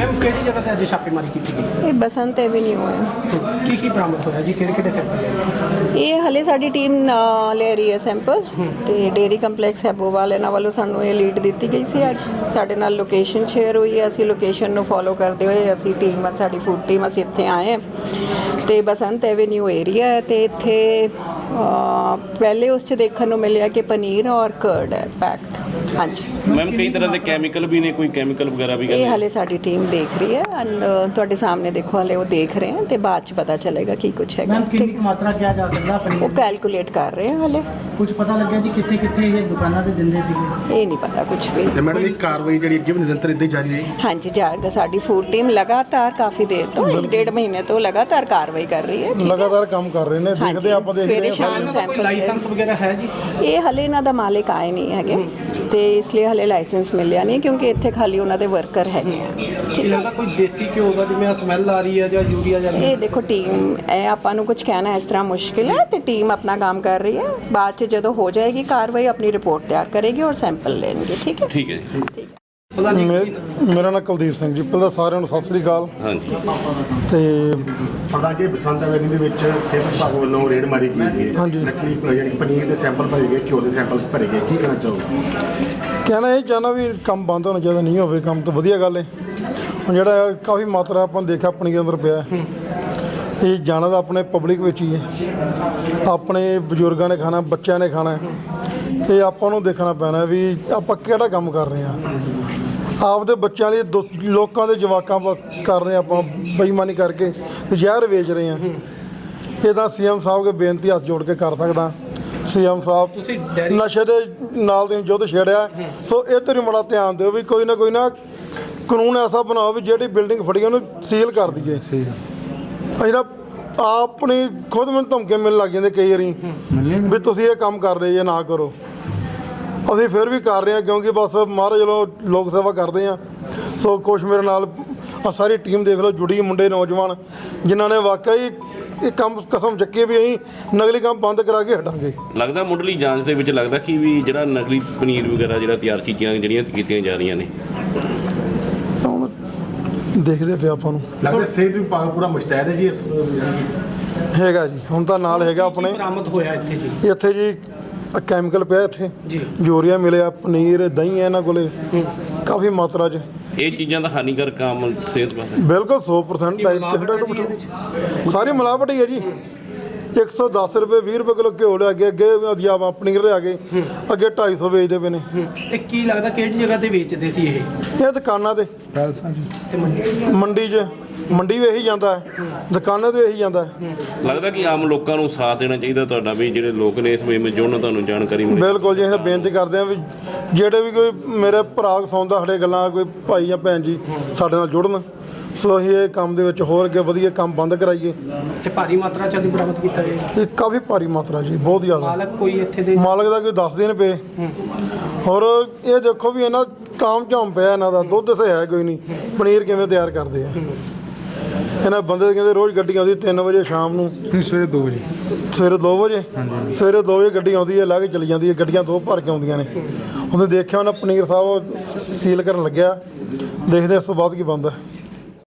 Ma'am किहड़ी जगह ते अज छापेमारी की गई? ਇਹ ਬਸੰਤ ਐਵੀਨਿਊ ਹੈ। की बरामद होया जी? किहड़े सैंपल? ਇਹ ਹਲੇ ਸਾਡੀ ਟੀਮ ਲੈ ਰਹੀ ਹੈ ਸੈਂਪਲ ਤੇ ਡੇਅਰੀ ਕੰਪਲੈਕਸ ਹੈਬੋਵਾਲ ਇਹਨਾਂ ਵੱਲੋਂ ਸਾਨੂੰ ਇਹ ਲੀਡ ਦਿੱਤੀ ਗਈ ਸੀ। ਅੱਜ ਸਾਡੇ ਨਾਲ ਲੋਕੇਸ਼ਨ ਸ਼ੇਅਰ ਹੋਈ ਹੈ। ਅਸੀਂ ਲੋਕੇਸ਼ਨ ਨੂੰ ਫੋਲੋ ਕਰਦੇ ਹੋਏ ਅਸੀਂ ਟੀਮ ਸਾਡੀ ਫੂਡ ਟੀਮ ਅਸੀਂ ਇੱਥੇ ਆਏ ਤੇ ਬਸੰਤ ਐਵੀਨਿਊ ਏਰੀਆ ਹੈ ਤੇ ਇੱਥੇ ਪਹਿਲੇ ਉਸ 'ਚ ਦੇਖਣ ਨੂੰ ਮਿਲਿਆ ਕਿ ਪਨੀਰ ਔਰ ਕਰਡ ਹੈ ਪੈਕਡ। ਹਾਂਜੀ ਮੈਮ ਕਈ ਤਰ੍ਹਾਂ ਦੇ ਕੈਮੀਕਲ ਵੀ ਨੇ, ਕੋਈ ਕੈਮੀਕਲ ਵਗੈਰਾ ਵੀ ਇਹ ਹਲੇ ਸਾਡੀ ਟੀਮ ਦੇਖ ਰਹੀ ਹੈ ਐਂਡ ਤੁਹਾਡੇ ਸਾਹਮਣੇ ਦੇਖੋ ਹਲੇ ਉਹ ਦੇਖ ਰਹੇ ਹਨ ਤੇ ਬਾਅਦ 'ਚ ਪਤਾ ਚੱਲੇਗਾ ਕੀ ਕੁਛ ਹੈਗਾ। मैम कितनी मात्रा क्या जा सकता पनीर? ਉਹ ਕੈਲਕੂਲੇਟ ਕਰ ਰਹੇ ਹਨ ਹਲੇ, कुछ पता लग गया जी कितने कितने ये दुकाना ते दिंदे सीगे? ਇਹ ਨਹੀਂ ਪਤਾ ਕੁਛ ਵੀ। ਤੇ ਮੈਡਮ ਇਹ ਕਾਰਵਾਈ ਜਿਹੜੀ ਅੱਗੇ ਵੀ ਨਿਰੰਤਰ ਇੱਦਾਂ ਹੀ ਜਾਰੀ ਰਹੇਗੀ? ਹਾਂਜੀ ਜਾਏਗਾ। ਸਾਡੀ ਫੂਡ ਟੀਮ ਲਗਾਤਾਰ ਕਾਫੀ ਦੇਰ ਤੋਂ 1.5 ਮਹੀਨੇ ਤੋਂ ਲਗਾਤਾਰ ਕਾਰਵਾਈ ਕਰ ਰਹੀ ਹੈ। ਲਗਾਤਾਰ ਕੰਮ ਕਰ ਰਹੇ ਨੇ, ਦੇਖਦੇ ਆਪਾਂ ਦੇਖਦੇ ਸਵੇਰੇ ਸ਼ਾਮ ਸੈਂਪਲ लाइसेंस वगैरह है जी? ਇਹ ਹਲੇ ਇਹਨਾਂ ਦਾ ਮਾਲਿਕ ਆਏ ਨਹੀਂ ਹੈਗੇ ਤੇ ਇਸ ਲਈ ਹਲੇ ਲਾਇਸੈਂਸ ਮਿਲਿਆ ਨਹੀਂ ਕਿਉਂਕਿ ਇੱਥੇ ਖਾਲੀ ਉਹਨਾਂ ਦੇ ਵਰਕਰ ਹੈਗੇ ਆ। ਕੀ ਲੱਗਦਾ ਕੋਈ ਦੇਸੀ ਘਿਓ ਦਾ ਜਿਵੇਂ ਸਮੈਲ ਆ ਰਹੀ ਹੈ ਜਾਂ ਯੂਰੀਆ ਜਾਂ ਇਹ ਦੇਖੋ ਟੀਮ ਇਹ ਆਪਾਂ ਨੂੰ ਕੁਝ ਕਹਿਣਾ ਇਸ ਤਰ੍ਹਾਂ ਮੁਸ਼ਕਿਲ ਹੈ ਤੇ ਟੀਮ ਆਪਣਾ ਕੰਮ ਕਰ ਰਹੀ ਹੈ। ਬਾਅਦ 'ਚ ਜਦੋਂ ਹੋ ਜਾਏਗੀ ਕਾਰਵਾਈ ਆਪਣੀ ਰਿਪੋर्ट ਤਿਆਰ ਕਰੇਗੀ ਔਰ ਸੈਂਪਲ ਲੈਣਗੇ। ਠੀਕ ਹੈ ਠੀਕ ਹੈ ਜੀ। ਠੀਕ ਹੈ। ਮੇਰਾ ਨਾਮ ਕੁਲਦੀਪ ਸਿੰਘ ਜੀ। ਪਹਿਲਾਂ ਸਾਰਿਆਂ ਨੂੰ ਸਤਿ ਸ੍ਰੀ ਅਕਾਲ। ਹਾਂਜੀ ਤੇ ਪਤਾ ਕਿ ਬਸੰਤ ਐਵੈਨਿਊ ਦੇ ਵਿੱਚ ਸਿਹਤ ਵਿਭਾਗ ਵੱਲੋਂ ਰੇਡ ਮਾਰੀ ਗਈ ਹੈ। ਹਾਂਜੀ। ਨਕਲੀ ਯਾਨੀ ਪਨੀਰ ਦੇ ਸੈਂਪਲ ਭਰੇ ਗਏ, ਘਿਓ ਦੇ ਸੈਂਪਲ ਭਰੇ ਗਏ, ਕੀ ਕਹਿਣਾ ਚਾਹੋਗੇ? ਕਹਿਣਾ ਇਹ ਚਾਹੁੰਦਾ ਵੀ ਕੰਮ ਬੰਦ ਹੋਣਾ ਚਾਹੀਦਾ, ਨਹੀਂ ਹੋਵੇ ਕੰਮ ਤਾਂ ਵਧੀਆ ਗੱਲ ਹੈ। ਹੁਣ ਜਿਹੜਾ ਕਾਫੀ ਮਾਤਰਾ ਆਪਾਂ ਦੇਖਿਆ ਪਨੀਰ ਅੰਦਰ ਪਿਆ, ਇਹ ਜਾਣਾ ਤਾਂ ਆਪਣੇ ਪਬਲਿਕ ਵਿੱਚ ਹੀ ਹੈ। ਆਪਣੇ ਬਜ਼ੁਰਗਾਂ ਨੇ ਖਾਣਾ, ਬੱਚਿਆਂ ਨੇ ਖਾਣਾ, ਇਹ ਆਪਾਂ ਨੂੰ ਦੇਖਣਾ ਪੈਣਾ ਵੀ ਆਪਾਂ ਕਿਹੜਾ ਕੰਮ ਕਰ ਰਹੇ ਹਾਂ। ਆਪਦੇ ਬੱਚਿਆਂ ਲਈ ਲੋਕਾਂ ਦੇ ਜਵਾਕਾਂ ਕਰ ਰਹੇ ਆਪਾਂ ਬੇਈਮਾਨੀ ਕਰਕੇ ਜ਼ਹਿਰ ਵੇਚ ਰਹੇ ਹਾਂ। ਇਹ ਤਾਂ ਸੀਐਮ ਸਾਹਿਬ ਕੇ ਬੇਨਤੀ ਹੱਥ ਜੋੜ ਕੇ ਕਰ ਸਕਦਾ। ਸੀਐਮ ਸਾਹਿਬ ਨਸ਼ੇ ਦੇ ਨਾਲ ਦੇ ਯੁੱਧ ਛੇੜਿਆ, ਸੋ ਇਹ ਤੇ ਬੜਾ ਧਿਆਨ ਦਿਓ ਵੀ ਕੋਈ ਨਾ ਕਾਨੂੰਨ ਐਸਾ ਬਣਾਓ ਵੀ ਜਿਹੜੀ ਬਿਲਡਿੰਗ ਫੜੀ ਉਹਨੂੰ ਸੀਲ ਕਰ ਦਈਏ। ਅਸੀਂ ਤਾਂ ਆਪਣੀ ਖੁਦ ਮੈਨੂੰ ਧਮਕੀਆਂ ਮਿਲਣ ਲੱਗ ਜਾਂਦੇ ਕਈ ਵਾਰੀ ਵੀ ਤੁਸੀਂ ਇਹ ਕੰਮ ਕਰ ਰਹੇ ਜੇ, ਨਾ ਕਰੋ। ਅਸੀਂ ਫਿਰ ਵੀ ਕਰ ਰਹੇ ਹਾਂ ਕਿਉਂਕਿ ਬਸ ਮਹਾਰਾਜ ਵੱਲੋਂ ਲੋਕ ਸੇਵਾ ਕਰਦੇ ਹਾਂ। ਸੋ ਕੁਛ ਮੇਰੇ ਨਾਲ ਸਾਰੀ ਟੀਮ ਦੇਖ ਲਓ ਜੁੜੀ ਮੁੰਡੇ ਨੌਜਵਾਨ ਜਿਨ੍ਹਾਂ ਨੇ ਵਾਕਈ ਇਹ ਕੰਮ ਕਸਮ ਚੱਕੀ ਵੀ ਅਸੀਂ ਨਕਲੀ ਕੰਮ ਬੰਦ ਕਰਾ ਕੇ ਹਟਾਂਗੇ। ਲੱਗਦਾ ਮੁੱਢਲੀ ਜਾਂਚ ਦੇ ਵਿੱਚ ਲੱਗਦਾ ਕਿ ਵੀ ਜਿਹੜਾ ਨਕਲੀ ਪਨੀਰ ਵਗੈਰਾ ਜਿਹੜਾ ਤਿਆਰ ਚੀਜ਼ਾਂ ਜਿਹੜੀਆਂ ਕੀਤੀਆਂ ਜਾ ਰਹੀਆਂ ਨੇ, ਹੁਣ ਦੇਖਦੇ ਪਿਆ ਆਪਾਂ ਨੂੰ ਲੱਗਦਾ ਸਿਹਤ ਵਿਭਾਗ ਪੂਰਾ ਮੁਸ਼ਤੈਦ ਹੈ ਜੀ ਇਸ ਹੈਗਾ ਜੀ। ਹੁਣ ਤਾਂ ਨਾਲ ਹੈਗਾ ਆਪਣੇ ਬਰਾਮਦ ਹੋਇਆ ਇੱਥੇ ਜੀ ਕੈਮੀਕਲ ਪਿਆ ਇੱਥੇ ਜੀ, ਯੂਰੀਆ ਮਿਲਿਆ, ਪਨੀਰ ਦਹੀਂ ਹੈ ਇਹਨਾਂ ਕੋਲੇ ਕਾਫੀ ਮਾਤਰਾ 'ਚ। ਇਹ ਚੀਜ਼ਾਂ ਦਾ ਹਾਨੀਕਾਰਕ ਆਮ ਸਿਹਤ ਵਾਸਤੇ ਬਿਲਕੁਲ 100% ਸਾਰੀ ਮਿਲਾਵਟ ਹੀ ਹੈ ਜੀ। 110 ਰੁਪਏ 20 ਰੁਪਏ ਕਿਲੋ ਘਿਓ ਲਿਆ ਕੇ ਅੱਗੇ ਪਨੀਰ ਲਿਆ ਕੇ ਅੱਗੇ 250 ਵੇਚਦੇ ਪਏ ਨੇ। ਇਹ ਕੀ ਲੱਗਦਾ ਕਿਹੜੀ ਜਗ੍ਹਾ ਤੇ ਵੇਚਦੇ ਸੀ ਇਹ ਦੁਕਾਨਾਂ ਤੇ ਮੰਡੀ ਵੀ ਇਹੀ ਜਾਂਦਾ ਹੈ, ਦੁਕਾਨਾਂ ਤੇ ਇਹੀ ਜਾਂਦਾ ਹੈ। ਲੱਗਦਾ ਕਿ ਆਮ ਲੋਕਾਂ ਨੂੰ ਸਾਥ ਦੇਣਾ ਚਾਹੀਦਾ ਤੁਹਾਡਾ ਵੀ ਜਿਹੜੇ ਲੋਕ ਨੇ ਇਸ ਵੇਲੇ ਜੁੜਨ, ਤੁਹਾਨੂੰ ਜਾਣਕਾਰੀ ਮਿਲੇ। ਬਿਲਕੁਲ ਜੀ। ਅਸੀਂ ਬੇਨਤੀ ਕਰਦੇ ਹਾਂ ਵੀ ਜਿਹੜੇ ਵੀ ਕੋਈ ਮੇਰੇ ਭਰਾ ਸੁਣਦਾ ਸਾਡੇ ਗੱਲਾਂ, ਕੋਈ ਭਾਈ ਜਾਂ ਭੈਣ ਜੀ ਸਾਡੇ ਨਾਲ ਜੁੜਨ। ਸੋ ਅਸੀਂ ਇਹ ਕੰਮ ਦੇ ਵਿੱਚ ਹੋਰ ਅੱਗੇ ਵਧੀਆ ਕੰਮ ਬੰਦ ਕਰਾਈਏ। ਤੇ ਭਾਰੀ ਮਾਤਰਾ ਚ ਬਰਾਮਦ ਕੀਤਾ ਗਿਆ। ਇਹ ਕਾਫੀ ਭਾਰੀ ਮਾਤਰਾ ਜੀ, ਬਹੁਤ ਜ਼ਿਆਦਾ। ਮਾਲਕ ਕੋਈ ਇੱਥੇ ਦੇ ਮਾਲਕ ਦਾ ਕੋਈ 10 ਦਿਨ ਪਏ। ਹੋਰ ਇਹ ਦੇਖੋ ਵੀ ਇਹਨਾਂ ਕਾਮ ਝਾਮ ਪਿਆ ਇਹਨਾਂ ਦਾ, ਦੁੱਧ ਤੇ ਹੈ ਕੋਈ ਨਹੀਂ, ਪਨੀਰ ਕਿਵੇਂ ਤਿਆਰ ਕਰਦੇ ਆ ਇਹਨਾਂ ਬੰਦੇ। ਕਹਿੰਦੇ ਰੋਜ਼ ਗੱਡੀ ਆਉਂਦੀ 3 ਵਜੇ ਸ਼ਾਮ ਨੂੰ, ਸਵੇਰੇ 2 ਵਜੇ ਸਵੇਰੇ 2 ਵਜੇ ਸਵੇਰੇ 2 ਵਜੇ ਗੱਡੀ ਆਉਂਦੀ ਹੈ, ਲਾ ਕੇ ਚਲੀ ਜਾਂਦੀ ਹੈ। ਗੱਡੀਆਂ 2 ਭਰ ਕੇ ਆਉਂਦੀਆਂ ਨੇ। ਉਹਨੇ ਦੇਖਿਆ ਉਹਨਾਂ ਪਨੀਰ ਸਾਹਿਬ ਸੀਲ ਕਰਨ ਲੱਗਿਆ, ਦੇਖਦੇ ਇਸ ਤੋਂ ਬਾਅਦ ਕੀ ਬਣਦਾ।